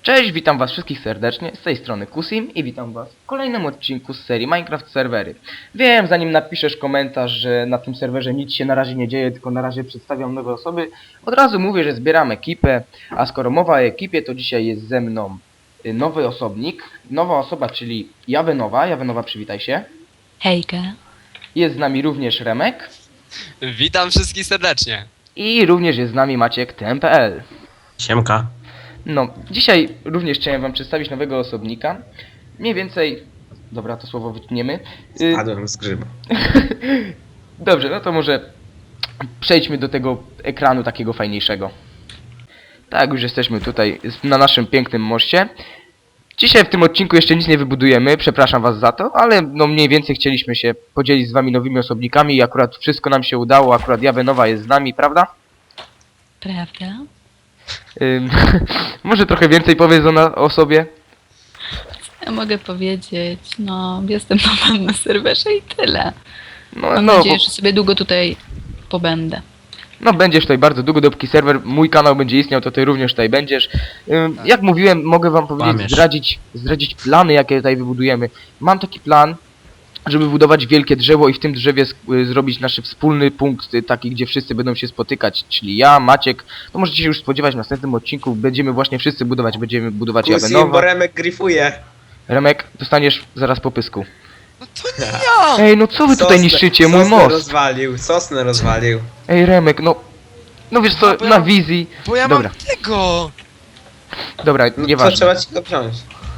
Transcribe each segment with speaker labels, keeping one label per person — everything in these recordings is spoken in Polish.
Speaker 1: Cześć, witam was wszystkich serdecznie, z tej strony Kusim i witam was w kolejnym odcinku z serii Minecraft Serwery. Wiem, zanim napiszesz komentarz, że na tym serwerze nic się na razie nie dzieje, tylko na razie przedstawiam nowe osoby, od razu mówię, że zbieram ekipę, a skoro mowa o ekipie, to dzisiaj jest ze mną nowy osobnik, nowa osoba, czyli Jawenowa. Jawenowa, przywitaj się.
Speaker 2: Hejka.
Speaker 1: Jest z nami również Remek
Speaker 3: Witam wszystkich serdecznie.
Speaker 1: i również jest z nami Maciek TMPL.
Speaker 4: Siemka.
Speaker 1: No, dzisiaj również chciałem wam przedstawić nowego osobnika. Mniej więcej... Dobra, to słowo wytniemy.
Speaker 4: Spadłem z grzyba.
Speaker 1: Dobrze, no to może przejdźmy do tego ekranu takiego fajniejszego. Tak, już jesteśmy tutaj na naszym pięknym moście. Dzisiaj w tym odcinku jeszcze nic nie wybudujemy, przepraszam was za to, ale no mniej więcej chcieliśmy się podzielić z wami nowymi osobnikami i akurat wszystko nam się udało, akurat Jawenowa jest z nami, prawda?
Speaker 2: Prawda?
Speaker 1: Może trochę więcej powiedz o sobie?
Speaker 2: Ja mogę powiedzieć, no jestem nowym na serwerze i tyle. Mam
Speaker 1: No,
Speaker 2: nadzieję, że sobie długo tutaj pobędę.
Speaker 1: no będziesz tutaj bardzo długo, dopóki serwer, mój kanał będzie istniał, to ty również tutaj będziesz. Jak mówiłem, mogę wam powiedzieć,
Speaker 4: Kłamiesz.
Speaker 1: zdradzić plany, jakie tutaj wybudujemy. Mam taki plan, żeby budować wielkie drzewo i w tym drzewie zrobić nasz wspólny punkt, taki, gdzie wszyscy będą się spotykać, czyli ja, Maciek. To możecie się już spodziewać w następnym odcinku, będziemy właśnie wszyscy budować, będziemy budować
Speaker 4: Kusim, bo
Speaker 1: Jawenowa.
Speaker 4: Remek gryfuje.
Speaker 1: Remek, dostaniesz zaraz po pysku.
Speaker 3: No to nie ja!
Speaker 1: Ej, no co wy tutaj niszczycie, mój most?
Speaker 4: Sosnę rozwalił.
Speaker 1: Ej, Remek, no wiesz co,
Speaker 3: bo ja-
Speaker 1: na wizji.
Speaker 3: Bo ja
Speaker 1: Dobra.
Speaker 3: mam tego!
Speaker 1: Dobra,
Speaker 4: No to
Speaker 1: nieważne.
Speaker 4: trzeba ci go wziąć.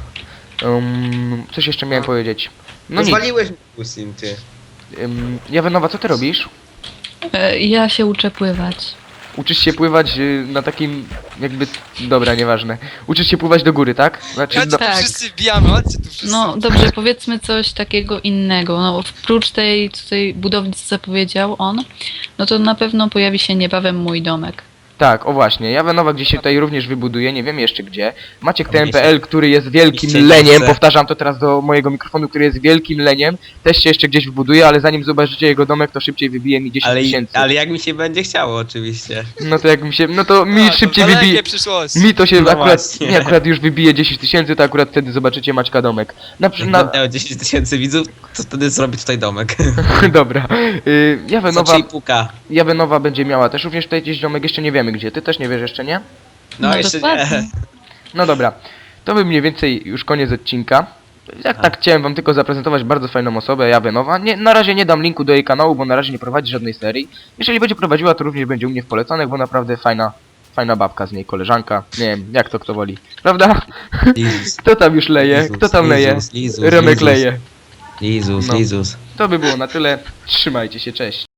Speaker 1: Coś jeszcze miałem powiedzieć. No nic.
Speaker 4: Rozwaliłeś mi Kusim, ty.
Speaker 1: Jawenowa, co ty robisz?
Speaker 2: Ja się uczę pływać.
Speaker 1: Uczysz się pływać na takim jakby... Dobra, nieważne. Uczysz się pływać do góry, tak? Znaczy,
Speaker 3: Chodźcie
Speaker 2: Tak.
Speaker 3: tu wszyscy wbijamy, chodźcie tu wszyscy.
Speaker 2: No dobrze, powiedzmy coś takiego innego. No oprócz tej tutaj budowli, co zapowiedział on, no to na pewno pojawi się niebawem mój domek.
Speaker 1: Tak, o właśnie. Jawenowa gdzieś się tutaj również wybuduje, nie wiem jeszcze gdzie. Maciek
Speaker 4: Tam
Speaker 1: TMPL, który jest wielkim
Speaker 4: Oczywiście
Speaker 1: leniem,
Speaker 4: nie chcę.
Speaker 1: powtarzam to teraz do mojego mikrofonu, który jest wielkim leniem, też się jeszcze gdzieś wybuduje, ale zanim zobaczycie jego domek, to szybciej wybije mi 10 tysięcy.
Speaker 4: Ale jak mi się będzie chciało, oczywiście.
Speaker 1: No to jak mi się... No to mi
Speaker 3: A, to
Speaker 1: szybciej
Speaker 3: dalekie
Speaker 1: wybije...
Speaker 3: przyszłości.
Speaker 1: Mi to się
Speaker 4: No
Speaker 1: akurat...
Speaker 4: właśnie.
Speaker 1: Nie, akurat już wybije 10 tysięcy, to akurat wtedy zobaczycie Maćka domek.
Speaker 4: Jak będę miał 10 tysięcy widzów, to wtedy zrobię tutaj domek.
Speaker 1: Dobra.
Speaker 4: Za
Speaker 1: Jawenowa...
Speaker 4: 3,5K.
Speaker 1: Jawenowa będzie miała też również tutaj gdzieś domek, jeszcze nie wiemy gdzie. Ty też nie wiesz jeszcze, nie?
Speaker 4: No jeszcze
Speaker 2: dokładnie.
Speaker 4: nie.
Speaker 1: No dobra. To by mniej więcej już koniec odcinka. Tak chciałem wam tylko zaprezentować bardzo fajną osobę, Jawenowa. Nie, na razie nie dam linku do jej kanału, bo na razie nie prowadzi żadnej serii. Jeżeli będzie prowadziła, to również będzie u mnie w polecanych, bo naprawdę fajna babka z niej, koleżanka. Nie wiem, jak to kto woli. Prawda?
Speaker 4: Lizus.
Speaker 1: Kto tam już leje? Kto tam leje?
Speaker 4: Lizus,
Speaker 1: Remek
Speaker 4: Lizus.
Speaker 1: leje.
Speaker 4: Lizus,
Speaker 1: No.
Speaker 4: Lizus.
Speaker 1: To by było na tyle. Trzymajcie się, cześć.